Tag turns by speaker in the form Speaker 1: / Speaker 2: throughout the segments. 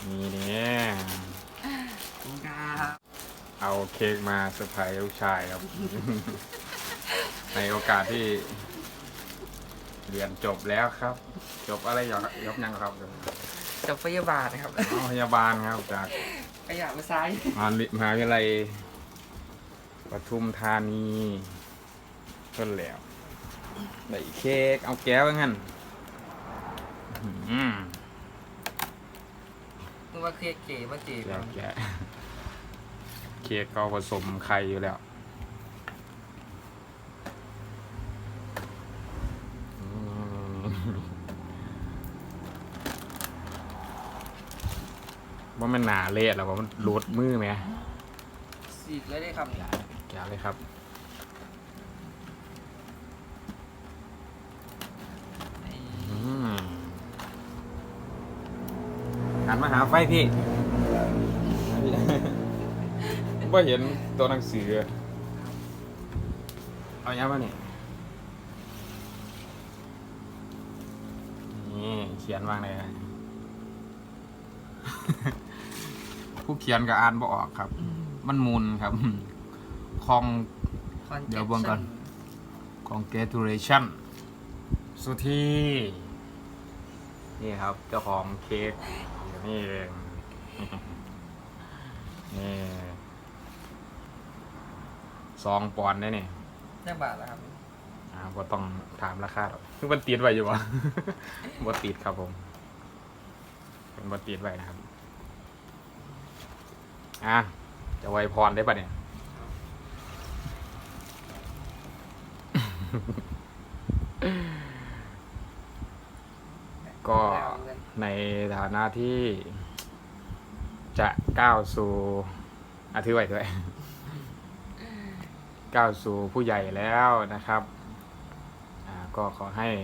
Speaker 1: นี่เนี่ยเอาเค้กมาเซอร์ไพรส์ลูกชายครับ ในโอกาสที่เรียนจบแล้วครับ จบอะไรอย่างยกยังครับ
Speaker 2: จบพยาบาลนะครับ
Speaker 1: พยาบาลครับจาก
Speaker 2: ขยะมาซ้าย
Speaker 1: มหาวิทยาลัยปทุมธานีเพิ่นแล้วได้เค้กเอาแก้วงั้น
Speaker 2: นึกว่าเค้กเก๋มาเก๋
Speaker 1: แกะแกะเค้กก็ผสมไข่อยู่แล้วว่ามันหนาเละหรอว่ามันรูดมือไหม
Speaker 2: สีกเลยได้ครับ
Speaker 1: แกะเลยครับหันมาหาไฟพี่ ว่าเห็นตัวหนังสือเอาอย่างมาเนี่ยนี่เขียนว่างเลย ผู้เขียนก็อ่านบ่ออกครับ มันมุนครับคองเดี๋ยวเบิ่งก่อน congratulation สุธีนี่ครับเจ้าของเค้กอยู่นี่เอง นี่2 ปอนด์ได้นี่
Speaker 2: ได้บาทแล้วครับ
Speaker 1: ก็ต้องถามราคาหรอกคือมันติดไว้อยู่วะ บ่ติดครับผมเป็นบ่ติดไว้นะครับจะไว้พรได้ปะเนี่ย ก็ในฐานะที่จะก้าวสู่ถือไว้ด้วย ก้าวสู่ผู้ใหญ่แล้วนะครับก็ขอให้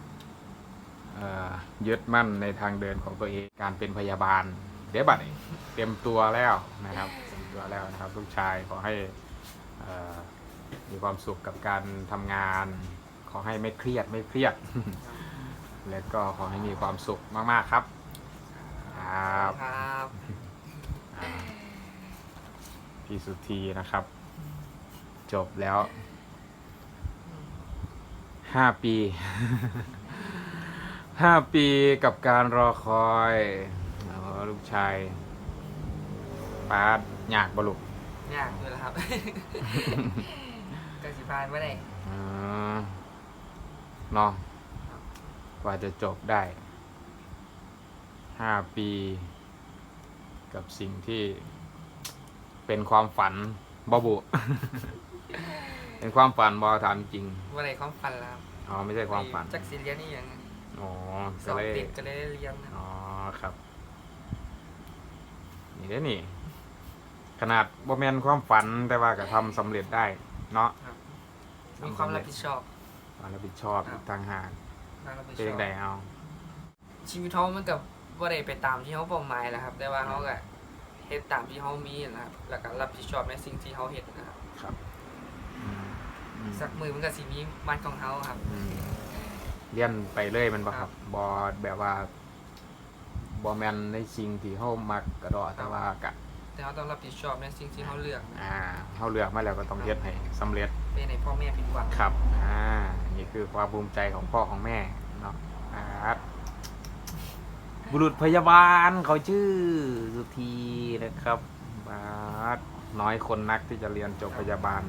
Speaker 1: ยึดมั่นในทางเดินของตัวเองการเป็นพยาบาลเดี๋ยวบัดนี้เตรียมตัวแล้วนะครับเตรียมตัวแล้วนะครับลูกชายขอให้มีความสุขกับการทำงานขอให้ไม่เครียด และก็ขอให้มีความสุขมากๆครับ
Speaker 2: ครับ
Speaker 1: พี่สุธีนะครับ จบแล้ว5 ปี 5 ปีกับการรอคอยลูกชายป้าอยากบลุก
Speaker 2: ยากอยู่แล้วครับ ก็สิพานไม่ได้
Speaker 1: เนาะกว่าจะจบได้5 ปีกับสิ่งที่เป็นความฝันบ่บุ เป็นความฝันบอถามจริง
Speaker 2: ว่าอะไรความฝันแล้ว
Speaker 1: ไม่ใช่ความฝัน
Speaker 2: จักสิเรียนนี่ยัง ส
Speaker 1: ก็
Speaker 2: อบ
Speaker 1: เลย
Speaker 2: ติดก็เลยเรียน
Speaker 1: ครับนี่เด้อนี่ ขนาดบ่แม่นความฝันแต่ว่าก็ทำสำเร็จได้เนาะ
Speaker 2: มีความรับผิดชอบ
Speaker 1: ความรับผิดชอบอีกต่างหาก
Speaker 2: ความรับผิด
Speaker 1: เป็น
Speaker 2: ช
Speaker 1: ยั
Speaker 2: อง บ
Speaker 1: ไงเอา
Speaker 2: ชีวิตเขามันกับว่าได้ไปตามที่เขาเป้าหมายแหละครับ แต่ว่าเขาก็เฮ็ดตามที่เขามีนะครับแล้วก็รับผิดชอบในสิ่งที่เขาเฮ็ดนะครับ
Speaker 1: ครับ
Speaker 2: สักมือมันก็สิมีมันของเขาครับ
Speaker 1: เลี่ยนไปเลยมันบ่ค
Speaker 2: ครั
Speaker 1: รับบ บ่แบบว่าบ่แม่นในสิ่งที่เฮามักกระดอแต่ว่ากะ
Speaker 2: แต่เขาต้องรับผิดชอบในสิ่งที่เขาเลือกนะ
Speaker 1: เฮาเลือกมาแล้วก็ต้องเฮ็ดให้สำเร็จ
Speaker 2: เป็นให้พ่อแม่ผิดหวัง
Speaker 1: ครับนี่คือความภูมิใจของพ่อของแม่เนาะบุรุษพยาบาลเขาชื่อสุธีนะครับบาสน้อยคนนักที่จะเรียนจบพยาบาล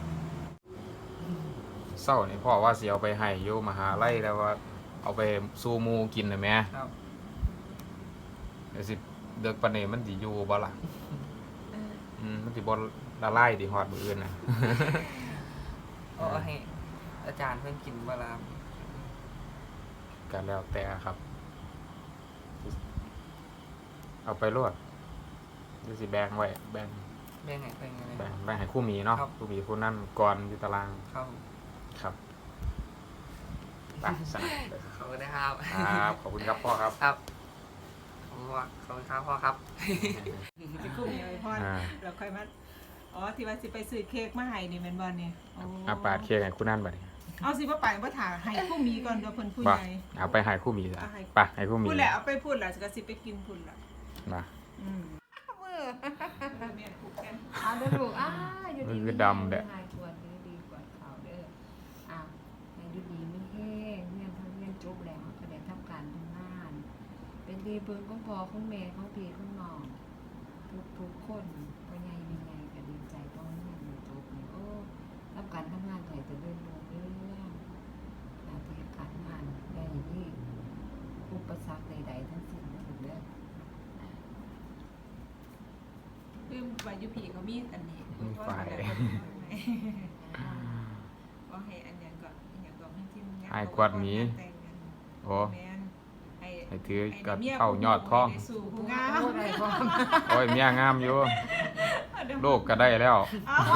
Speaker 1: เศร้านี่พ่อว่าสิเอาไปให้อยู่มหาลัยแล้วว่าเอาไปสู่หมู่กินได้ไหม
Speaker 2: ครับ
Speaker 1: เดี๋ยวสิเด็กปานนี้มันสิอยู่บ่ล่ะมันสิบ่ละลายดิฮอดมื้ออื่นน่ะ
Speaker 2: เอาให้อาจารย์เพิ่นกินเวลา
Speaker 1: ก็แล้วแต่ครับ เอาไปรวดเดี๋ยวสิแบ่งไว้แบ่ง
Speaker 2: แบ่งให้เพิ่นไง
Speaker 1: แบ่งให้คู่หมีเนาะ
Speaker 2: ครับ
Speaker 1: คู่หมีคู่นั่นก่อนอยู่ตาราง
Speaker 2: ครับ
Speaker 1: ครับไปสนับเลย
Speaker 2: ขอบคุณนะครับ
Speaker 1: ครับขอบคุณครับพ่อครับ
Speaker 2: ครับผมว่าขอบคุณครับพ่อครับ
Speaker 3: ไปคุมยังไงพ่อเราค่อยมาที่ว่าสิไปซื้อเค้กมาให้นี่แม่นบ่เนี่ย
Speaker 1: ปาดเค้กให้คู่นั่นบัดนี้
Speaker 3: เอาสิบ่ไปบ่ถ่าให้ผู้มีก่อนเดี๋ยวเพิ่นผู้
Speaker 1: บ่
Speaker 3: ใหญ่
Speaker 1: เอาไปให้คู่หมีซะไปให้คู่หมี
Speaker 3: พูดแหละเอาไปพูดแหละก็สิไปกินพุ่นล่ะ
Speaker 1: นะ
Speaker 3: มือเมียนผูกแขน
Speaker 4: เอาเด้อลูกอยู่ดี
Speaker 1: มันคือดำเด้อ
Speaker 4: หายปวดดีกว่าเขาเด้อให้ดูดีไม่แห้งเรียนเรียนจบแล้วก็ได้ทำการทำงาน เป็นดีเบิ่งของพ่อของแม่ของพี่ของน้องทุกคนพ่อใหญ่แม่ใหญ่ก็ดีใจเพราะเรียนจบนี่โอ้รับการทำงานก็ให้เจริญรุ่งเรืองหน้าที่การงานได้ที่อุปสรรคใดๆทั้งสิ้นถูกเด้อ
Speaker 3: ลืมวายุพีเขามีอันนี้
Speaker 1: มีไฟ
Speaker 3: ก็ให้อันอย่างก่อนอันอย่างก่อนให้จิ้ม
Speaker 1: ให้กวาดหมี โอ้
Speaker 3: แมนให้
Speaker 1: ให้ถือกับเข้ายอดท้อง
Speaker 3: ให้สู่ผู้งาม
Speaker 1: โอ้ยเมียงามอยู่โลกก็ได้แล้ว
Speaker 3: เอาไว้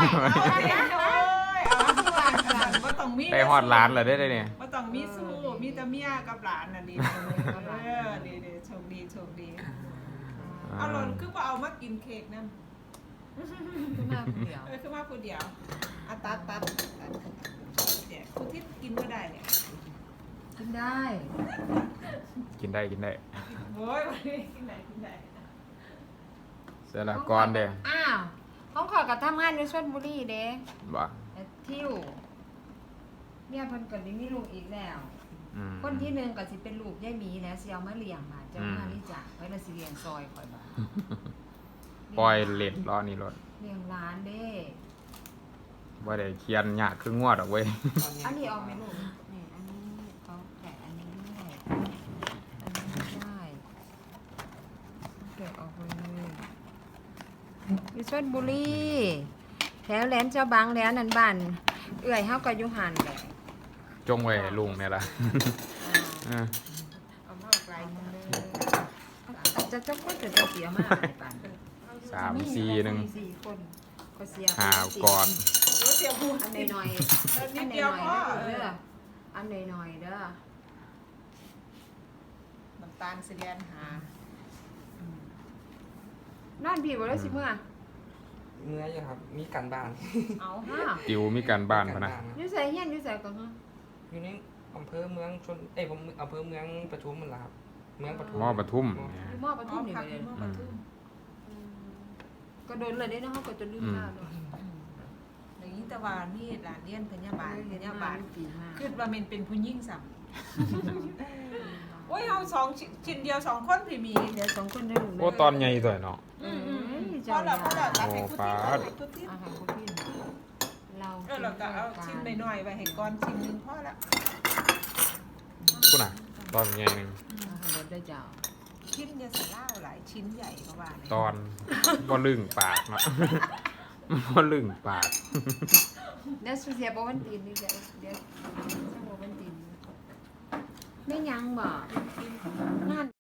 Speaker 3: ว่าต้องมี
Speaker 1: ได้ฮอดล้านเลยได้เนี่ย
Speaker 3: ว่าต้องมีสู้มีแต่เมียกับหลานน่ะดีดีโชคดีโชคดีเอาหล่นคือว่าเอามากินเค้กนั่น
Speaker 4: ขึ้นมาคนเดียว
Speaker 3: คือมาผู้เดียวตัดเนี่ยผู้ที่กินก็ได้เนี่ย
Speaker 4: กินได้
Speaker 1: กินได้กินได้
Speaker 3: โว้ยวันนี้กินไหนได้
Speaker 1: เสร็จแล้วก่อนเด้
Speaker 4: อ้าวของขอยกับทำงานอยู่ชลบุรีเด้
Speaker 1: บ่
Speaker 4: แต่ทิวเนี่ยเพิ่นก็ได้มีลูกอีกแล้ว
Speaker 1: อืม
Speaker 4: คนที่หนึ่งก็สิเป็นลูกยายหมีแล้วสิเอามาเลี้ยงบาดเจ้ามาลิจ่าไว้ละสิเลี้ยงซอยข่อยบาด
Speaker 1: ปล่อยเล็ดรอนี่รถ
Speaker 4: เลี้ยงร้านเด้
Speaker 1: บ่ได้เขียนยากคืองวดออกเว้ย
Speaker 4: อันนี้เอาไหมลูกนี่อันนี้เขาแกะอันนี้ด้วยอันนี้ไม่ได้แกะออกไปเลยอยู่ชลบุรีแถวแหลมเจ้าบางแหลมนันบ้านเอื้อยเฮาก็อยู่หันแหละ
Speaker 1: จงไว้ให้ลุงเนี่ยล่ะ
Speaker 4: อ่า
Speaker 3: เอามาไกลมาเลย
Speaker 4: จะก็จะเสียมากในป่าน
Speaker 1: 3-4-1
Speaker 4: 4 คนก็เสีย
Speaker 1: หาก่อน
Speaker 3: เสียผู้
Speaker 4: อันหน่อยๆอัน
Speaker 3: นิด
Speaker 4: ห
Speaker 3: เดียว
Speaker 4: น่อย
Speaker 3: พอ
Speaker 4: ๆเด้ออันหน่อยๆเด้อ
Speaker 3: น้ำตาลเสียนหา
Speaker 4: นั่นพี่บ่ได้สิเมื่อ
Speaker 2: เมื่ออยู่ครับมีการบ้าน
Speaker 3: เอา
Speaker 4: ฮะ
Speaker 1: ติวมีการบ้านพะนะ
Speaker 4: อยู่ใส่เฮียนอยู่ใส่ก็ฮะ
Speaker 2: อยู่ในอำเภอเมืองชนผมอำเภอเมืองปทุมมันล่ะครับเมืองปทุม
Speaker 1: มอปทุม
Speaker 4: อยู่มอปทุมนี่
Speaker 3: พั
Speaker 4: ไป
Speaker 3: ก
Speaker 4: เลย
Speaker 3: เมื่อปทุม
Speaker 4: ก็โดนเลยได้เนาะเฮาก็จะลืมหน้าเนาะ
Speaker 3: อย่างนี้แต่ว่านี่หลานเลี้ยนพญาบาล
Speaker 4: ปีมา
Speaker 3: คือว่ามันเป็นผู้หญิงสัมโอ้ยเอาสองชิ้นเดียวสองคนพี่มี
Speaker 4: เดี๋ยว2คนได้ลูก
Speaker 1: โอ้ตอนใหญ่ตัวเนาะ
Speaker 3: พอแล้วรับให้ผู้ที่
Speaker 1: โอ้
Speaker 3: ให้ผู้ที่
Speaker 4: อาหารพวกพี่เรา
Speaker 3: เราก็เอาชิ้นหน่อยๆไว้ให้ก้อนชิ้นนึงพอละ
Speaker 1: พุ่นน่ะตอนใหญ่หนึง
Speaker 4: อาหารรถได้เจ้า
Speaker 3: ชิ้นจะใส่เหล้าหลายชิ้นใหญ่กว่าเนี่ย
Speaker 1: ตอนบ่ลึงปากเนาะ บ่ลึงปาก
Speaker 4: เดี๋ยวเสียบ่วันตีนนี่เดี๋ยวบ่วันตีนไม่ยังบ่